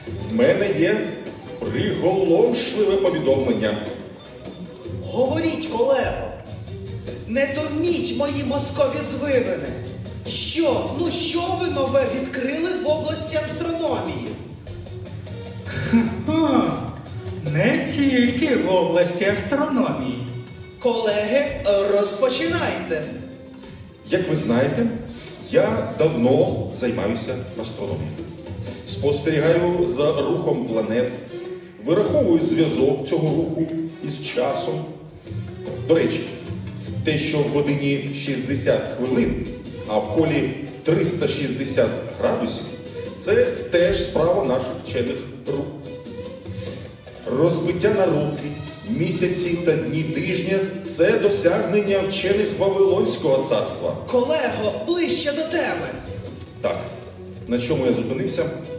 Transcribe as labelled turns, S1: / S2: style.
S1: В мене є приголомшливе повідомлення.
S2: Говоріть, колего. Не томіть мої мозкові звивини. Що ви нове відкрили в області астрономії?
S3: Не тільки в області астрономії.
S2: Колеги, розпочинайте.
S1: Як ви знаєте, я давно займаюся астрономією. Спостерігаю за рухом планет, вираховую зв'язок цього руху із часом. До речі, те, що в годині 60 хвилин, а в колі 360 градусів, це теж справа наших вчених рук. Розбиття на роки, місяці та дні тижня – це досягнення вчених Вавилонського царства.
S2: Колего, ближче до теми.
S1: Так, на чому я зупинився?